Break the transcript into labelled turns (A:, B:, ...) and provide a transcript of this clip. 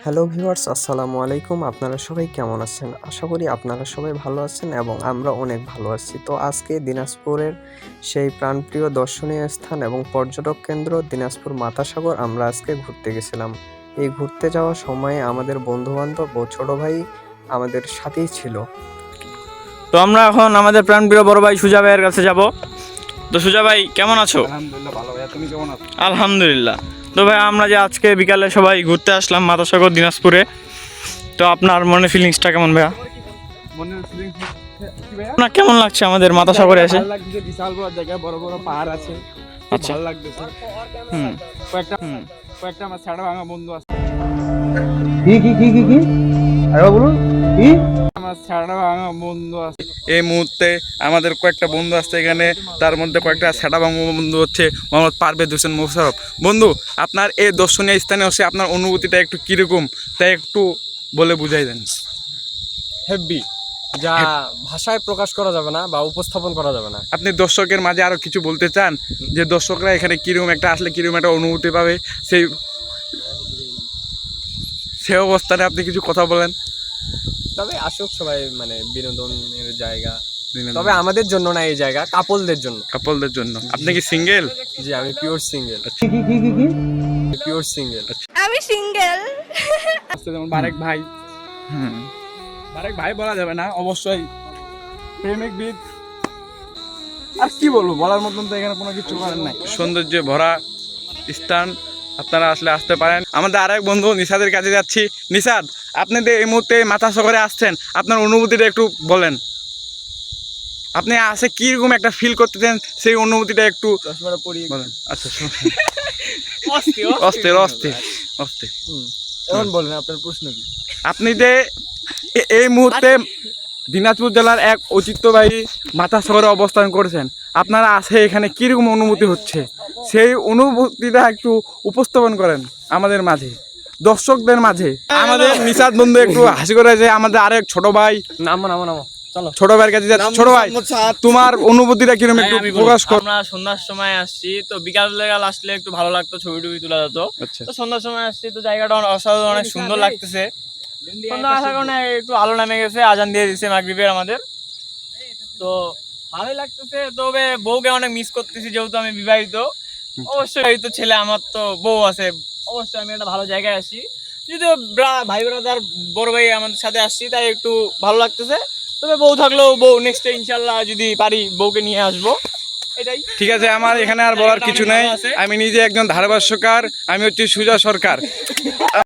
A: Hello viewers, আসসালামু আলাইকুম। আপনারা সবাই কেমন আছেন? আশা করি আপনারা সবাই ভালো আছেন এবং আমরা অনেক ভালো আছি। তো আজকে দিনাজপুরের সেই প্রাণপ্রিয় দর্শনীয় স্থান এবং পর্যটক কেন্দ্র দিনাজপুর মাতাসাগর আমরা আজকে ঘুরতে গেছিলাম। এই ঘুরতে যাওয়ার সময়ে আমাদের বন্ধুবান্ধব ও ছোট ভাই আমাদের সাথেই ছিল।
B: তো আমরা এখন আমাদের প্রাণপ্রিয় বড় ভাই সুজা ভাইয়ের কাছে যাব। তো সুজা ভাই কেমন আছো?
C: আলহামদুলিল্লাহ ভালো ভাইয়া, তুমি কেমন আছো?
B: আলহামদুলিল্লাহ। তো ভাই আমরা যে আজকে বিকালে সবাই ঘুরতে আসলাম মাতাসাগর দিনাজপুরে, তো আপনার মনে ফিলিংসটা কেমন ভাইয়া?
C: মনের ফিলিংস কি ভাইয়া?
B: আপনার কেমন লাগছে আমাদের মাতাসাগরে এসে?
C: ভালো লাগছে, বিশাল বড় জায়গা, বড় বড় পাহাড় আছে,
B: আচ্ছা।
C: ভালো লাগতেছে।
B: হুম
C: কয়েকটা আমার ছাড়া ভাঙা বন্ধু আছে।
D: কি আরে বলুন কি
C: আমার ছাড়া ভাঙা বন্ধু আছে এই মুহূর্তে। আমাদের কয়েকটা বন্ধু আছে এখানে, তার মধ্যে কয়েকটা ছাড়া ভাঙা বন্ধু হচ্ছে মোহাম্মদ পারভেজ হোসেন মোশাররফ। বন্ধু, আপনার এই দর্শনীয় স্থানে এসে আপনার অনুভূতিটা একটু কিরকম, তাই একটু বলে বুঝাই দেন।
D: হেভি, যা ভাষায় প্রকাশ করা যাবে না বা উপস্থাপন করা যাবে না।
C: আপনি দর্শকের মাঝে আরো কিছু বলতে চান, যে দর্শকরা এখানে কিরকম একটা আসলে কিরকম একটা অনুভূতি পাবে, সেই অবস্থানে আপনি কিছু কথা বলেন।
D: তবে আসুক সবাই, মানে বিনোদনের জায়গা, তবে আমাদের জন্য না এই জায়গা, কাপলদের জন্য।
C: কাপলদের জন্য। আপনি কি সিঙ্গেল?
D: জি, আমি পিওর সিঙ্গেল। Pure single.
E: আমি সিঙ্গেল।
C: যেমন বারেক ভাই, বারেক ভাই বলা যাবে না, অবশ্যই প্রেমিক বিদ। আর কি বলবো, বলার মতন তো এখানে কোনো কিছু করার নাই। সৌন্দর্য ভরা স্থান, আপনারা আসলে আসতে পারেন। আমাদের আরেক বন্ধু নিশাদের কাছে যাচ্ছি। নিশাদ, আপনি যে এই মুহূর্তে মাতাসাগরে আসছেন, আপনার অনুভূতিটা একটু বলেন। আপনি আসে কিরকম একটা ফিল করতেছেন, সেই অনুভূতিটা একটু বলেন। আচ্ছা, অস্থির অস্থির অস্থির।
D: এখন বলেন আপনার প্রশ্ন কি?
C: আপনি যে এই মুহূর্তে দিনাজপুর জেলার এক ঐতিহ্যবাহী মাতাসাগরে অবস্থান করেছেন, আপনারা আসে এখানে কিরকম অনুভূতি হচ্ছে, সেই অনুভূতিটা একটু উপস্থাপন করেন আমাদের মাঝে, দর্শকদের মাঝে। আমাদের নিশাদ বন্ধু একটু হাসি করেছে। আমাদের আরেক ছোট ভাই,
D: নামো চলো।
C: ছোট ভাইয়ের কাছে যাচ্ছে। ছোট ভাই, তোমার অনুভূতিটা কিরকম একটু প্রকাশ কর।
B: আমরা সন্ধ্যার সময় আসছি, তো বিকাল বেলা আসলে একটু ভালো লাগতো, ছবি টবি তোলা যেত।
C: আচ্ছা,
B: তো সন্ধ্যার সময় আসছি, তো জায়গাটা অসাধারণ, অনেক সুন্দর লাগতেছে। সন্ধ্যা আসার কারণে একটু আলো নামে গেছে, আজান দিয়ে দিচ্ছে মাগরিবের আমাদের, তো ভালোই লাগতেছে। তবে বউকে অনেক মিস করতেছি, যেহেতু আমি বিবাহিত। অবশ্যই বিবাহিত ছেলে, আমার তো বউ আছে, অবশ্যই আমি একটা ভালো জায়গায় আসি। যদিও ভাই ব্রাদার বড় ভাই আমাদের সাথে আসছি, তাই একটু ভালো লাগতেছে। তবে বউ থাকলেও বউ নেক্সটে ইনশাল্লাহ যদি পারি বউকে নিয়ে আসবো, এটাই।
C: ঠিক আছে, আমার এখানে আর বলার কিছু নেই। আমি নিজে একজন ধারাভাষ্যকার, আমি হচ্ছি সুজা সরকার।